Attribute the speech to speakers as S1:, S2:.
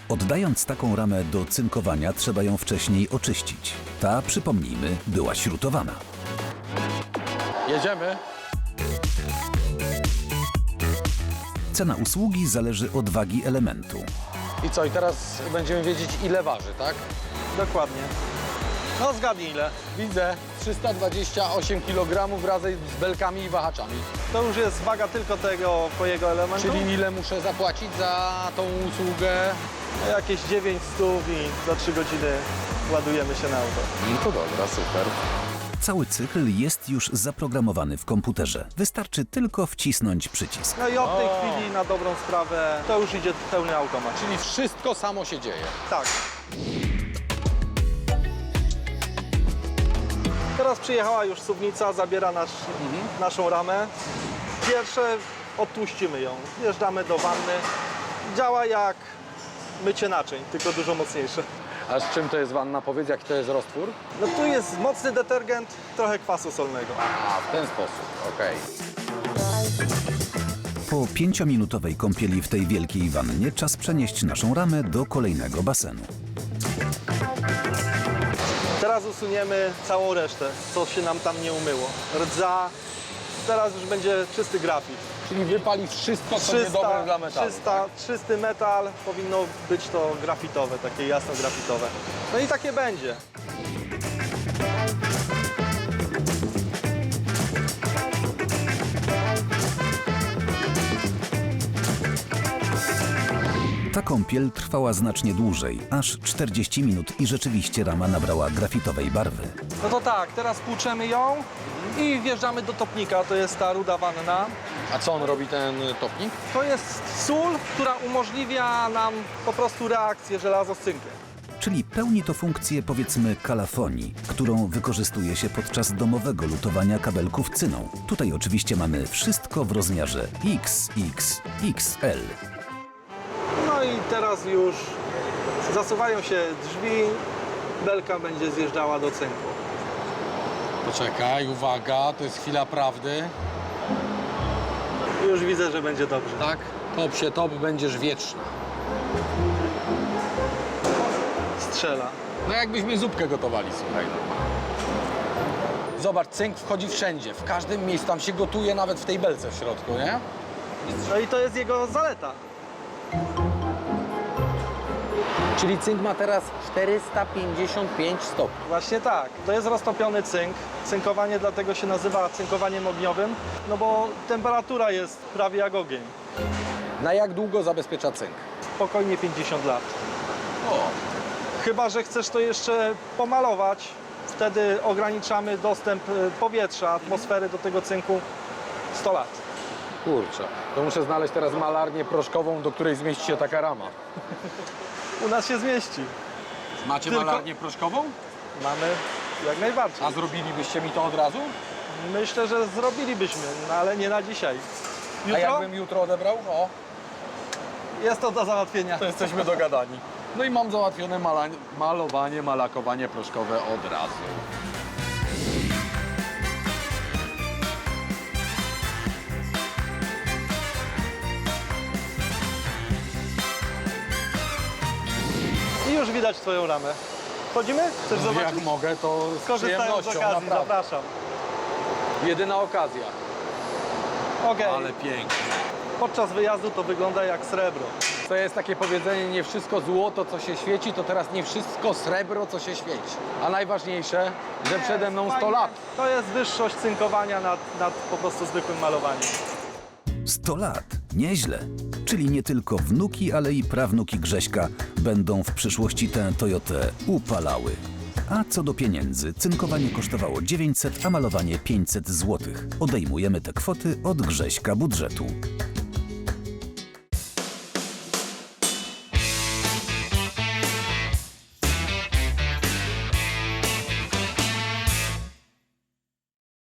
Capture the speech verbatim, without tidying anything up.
S1: Oddając taką ramę do cynkowania, trzeba ją wcześniej oczyścić. Ta, przypomnijmy, była śrutowana.
S2: Jedziemy.
S1: Cena usługi zależy od wagi elementu.
S2: I co, i teraz będziemy wiedzieć, ile waży, tak?
S3: Dokładnie. No zgadnij ile.
S2: Widzę, trzysta dwadzieścia osiem kilogramów razem z belkami i wahaczami.
S3: To już jest waga tylko tego twojego elementu.
S2: Czyli ile muszę zapłacić za tą usługę?
S3: Jakieś dziewięć stów i za trzy godziny ładujemy się na auto.
S2: No to dobra, super.
S1: Cały cykl jest już zaprogramowany w komputerze. Wystarczy tylko wcisnąć przycisk.
S3: No i od tej
S2: O.
S3: chwili na dobrą sprawę to już idzie pełny automat.
S2: Czyli wszystko samo się dzieje.
S3: Tak. Teraz przyjechała już suwnica, zabiera nasz, naszą ramę. Pierwsze odtłuścimy ją, wjeżdżamy do wanny. Działa jak mycie naczyń, tylko dużo mocniejsze.
S2: A z czym to jest wanna? Powiedz, jaki to jest roztwór?
S3: No tu jest mocny detergent, trochę kwasu solnego.
S2: A, w ten sposób, okej.
S1: Po pięciominutowej kąpieli w tej wielkiej wannie czas przenieść naszą ramę do kolejnego basenu.
S3: Teraz usuniemy całą resztę, co się nam tam nie umyło. Rdza, teraz już będzie czysty grafit.
S2: Czyli wypali wszystko, co niedobre dla metalu.
S3: trzysta, czysty metal, powinno być to grafitowe, takie jasno grafitowe. No i takie będzie.
S1: Ta kąpiel trwała znacznie dłużej, aż czterdzieści minut i rzeczywiście rama nabrała grafitowej barwy.
S3: No to tak, teraz płuczemy ją i wjeżdżamy do topnika, to jest ta ruda wanna.
S2: A co on robi, ten topnik?
S3: To jest sól, która umożliwia nam po prostu reakcję żelazo z cynkiem.
S1: Czyli pełni to funkcję, powiedzmy, kalafonii, którą wykorzystuje się podczas domowego lutowania kabelków cyną. Tutaj oczywiście mamy wszystko w rozmiarze X X X L.
S3: No i teraz już zasuwają się drzwi, belka będzie zjeżdżała do cynku.
S2: Poczekaj, uwaga, to jest chwila prawdy.
S3: Już widzę, że będzie dobrze.
S2: Tak? Top się top, będziesz wieczna.
S3: Strzela.
S2: No jakbyśmy zupkę gotowali, słuchaj. Zobacz, cynk wchodzi wszędzie, w każdym miejscu, tam się gotuje nawet w tej belce w środku, nie?
S3: No i to jest jego zaleta.
S2: Czyli cynk ma teraz czterysta pięćdziesiąt pięć stopni.
S3: Właśnie tak. To jest roztopiony cynk. Cynkowanie dlatego się nazywa cynkowaniem ogniowym, no bo temperatura jest prawie jak ogień.
S2: Na jak długo zabezpiecza cynk?
S3: Spokojnie pięćdziesiąt lat.
S2: O,
S3: Chyba że chcesz to jeszcze pomalować, wtedy ograniczamy dostęp y, powietrza, atmosfery do tego cynku sto lat.
S2: kurczę. To muszę znaleźć teraz malarnię proszkową, do której zmieści się taka rama.
S3: U nas się zmieści.
S2: Macie
S3: Tylko-
S2: malarnię proszkową?
S3: Mamy jak najbardziej.
S2: A zrobilibyście mi to od razu?
S3: Myślę, że zrobilibyśmy, no ale nie na dzisiaj.
S2: A
S3: Jutro
S2: jakbym jutro odebrał? O,
S3: jest to do załatwienia.
S2: to jesteśmy dogadani. No i mam załatwione mala malowanie, malakowanie proszkowe od razu.
S3: I już widać twoją ramę. Wchodzimy? Chcesz zobaczyć?
S2: Jak mogę, to z
S3: Korzystając z
S2: przyjemnością,
S3: okazji,
S2: naprawdę.
S3: zapraszam.
S2: Jedyna okazja.
S3: Okej.
S2: Ale pięknie.
S3: Podczas wyjazdu to wygląda jak srebro.
S2: To jest takie powiedzenie, nie wszystko złoto, co się świeci, to teraz nie wszystko srebro, co się świeci. A najważniejsze, że przede mną sto
S3: Fajnie.
S2: lat.
S3: To jest wyższość cynkowania nad, nad po prostu zwykłym malowaniem.
S1: sto lat. Nieźle. Czyli nie tylko wnuki, ale i prawnuki Grześka będą w przyszłości tę Toyotę upalały. A co do pieniędzy, cynkowanie kosztowało dziewięćset, a malowanie pięćset złotych. Odejmujemy te kwoty od Grześka budżetu.